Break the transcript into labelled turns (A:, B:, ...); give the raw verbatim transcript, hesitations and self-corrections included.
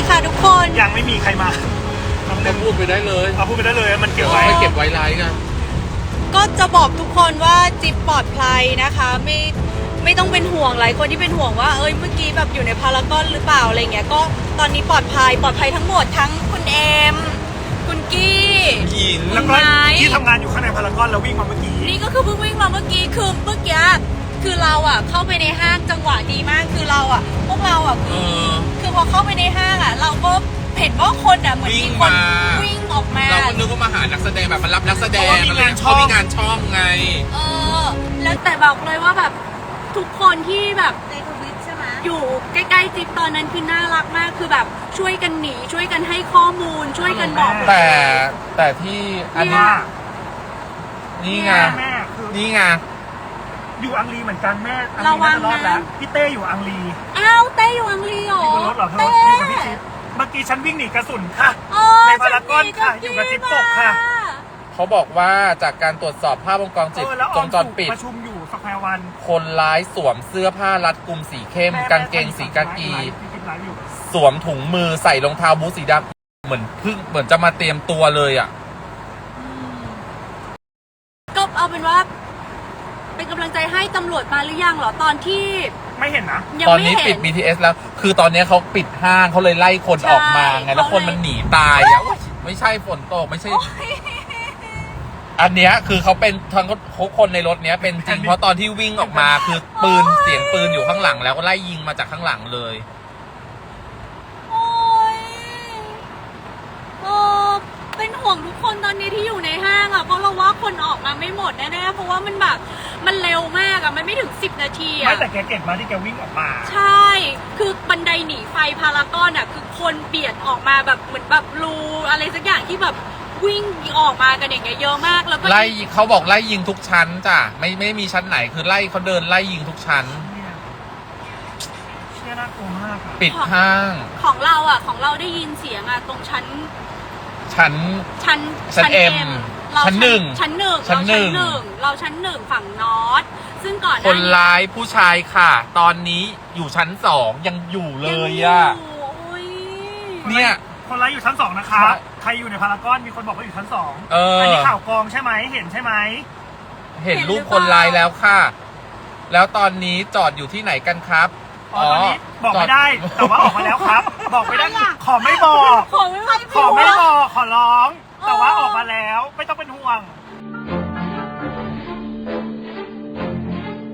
A: ค่ะทุกคน
B: ยังไม่มีใครมา
C: เราพูดไปได้เลย
B: เอาพูดไปได้เลยมันเก็บไว้
C: เก็บไว้ไลน์กัน
A: ก็จะบอกทุกคนว่าจิ๊บปลอดภัยนะคะไม่ไม่ต้องเป็นห่วงหลายคนที่เป็นห่วงว่าเอ้ยเมื่อกี้แบบอยู่ในพารากอนหรือเปล่าอะไรเงี้ยก็ตอนนี้ปลอดภัยปลอดภัยทั้งหมดทั้งคุณเอมคุณกี้
C: หญิง
B: แล้วก็ที่ทำงานอยู่ข้างในพารากอนแล้ววิ่งมาเมื่อกี้
A: นี่ก็คือเพิ่งวิ่งมาเมื่อกี้คือเมื่อกี้คือเราอ่ะเข้าไปในห้างจังหวะดีมากคือเราอ่ะพวกเราอ่ะคือคือพอเข้าไปในห้างอ่ะเราก็เห็นว่าคนอ่ะเหมือนมีคนวิ่งออกมา
C: เราก็นึกว่ามาหานักแสดงแบบมารับนักแสดงอะไรเขามีงานช่องไง
A: เออแล้วแต่บอกเลยว่าแบบทุกคนที่แบบ
D: ในทวิตใช่ไหม
A: อยู่ใกล้ๆจิ๊บตอนนั้นคือน่ารักมากคือแบบช่วยกันหนีช่วยกันให้ข้อมูลช่วยกันบอก
C: แต่แต่ที่อันนี้นี่ไงนี่ไง
B: อยู่อังรีเหมือนกันแม่ระวังนะพี่เต้อยู่อังรี
A: อ้าวเต้อยู่อังรีเหรอ
B: อยู่บนรถเหรอเธออยู่กับพี่จิ๊บเมื่อกี้ฉันวิ่งหนีกระสุนค่ะในพารากอนค่ะอยู่กับจิ๊บปกค่ะ
C: เขาบอกว่าจากการตรวจสอบภาพวงจรปิดวงจรปิด
B: ประชุมอยู่สักแพรวัน
C: คนร้ายสวมเสื้อผ้ารัดกุมสีเข้มกางเกงสีกากีสวมถุงมือใส่รองเท้าบูทสีดำเหมือนพึ่งเหมือนจะมาเตรียมตัวเลยอ่ะ
A: ก็เอาเป็นว่าเป็นกำลังใจให้ตำรวจมาหรือยังเหรอตอนที่
B: ไม่เห็นนะ
C: ตอนนี้ปิด บี ที เอส แล้วคือตอนนี้เขาปิดห้างเขาเลยไล่คนออกมาไงแล้วคนมันหนีตายอ่ะไม่ใช่ฝนตกไม่ใช่อันเนี้ยคือเขาเป็นทั้งคนในรถเนี้ยเป็นจริงเพราะตอนที่วิ่งออกมาคือปืนเสียงปืนอยู่ข้างหลังแล้วก็ไล่ยิงมาจากข้างหลังเลย
A: โอ้ยโอ้เป็นห่วงทุกคนตอนนี้ที่อยู่ในห้างอ่ะเพราะเราว่าคนออกมาไม่หมดแน่ๆเพราะว่ามันแบบมันเร็วมากอ่ะมันไม่ถึงสิบนาทีอ่ะ
B: ไม่แต่แกเก่งมากที่แกวิ่งออกมา
A: ใช่คือบันไดหนีไฟพารากอนอ่ะคือคนเบียดออกมาแบบเหมือนแบบรูอะไรสักอย่างที่แบบวิ่งออกมากันอย่างเงี้ยเยอะมากแล้วก็
C: ไล่เขาบอกไล่ยิงทุกชั้นจ้ะไม่ไม่มีชั้นไหนคือไล่เขาเดินไล่ยิงทุกชั้น
B: เชี่ยน่ากลัวมาก
C: ปิดห้าง
A: ของเราอ่ะของเราได้ยินเสียงอ่ะตรงชั้น
C: ชั้น
A: ชั้น
C: ชั้นเอ็มชั้นหนึ่ง
A: ชั้นหนึ่งชั้นหนึ่งเราชั้นหนึ่งฝั่งนอตซึ่งก่อน
C: คนร้ายผู้ชายค่ะ ตอนนี้อยู่ชั้นสองยังอยู่เลยอ่ะเนี่ย
B: คนร้ายอยู่ชั้นสองนะคะใครอยู่ในพารากอนมีคนบอกว่าอยู่ชั้นสองอันนี้ข่าวกองใช่ไหมเห็นใช่ไหม
C: เห็นรูปคนร้ายแล้วค่ะแล้วตอนนี้จอดอยู่ที่ไหนกันครับ
B: อ๋อตอนนี้บอกไม่ได้แต่ว่าออกมาแล้วครับบอกไม่ได้ขอไม่บอก
A: ขอไม่
B: ขอไม่บอกขอร้องแต่ว่าออกมาแล้วไม่ต้องเป็นห่วง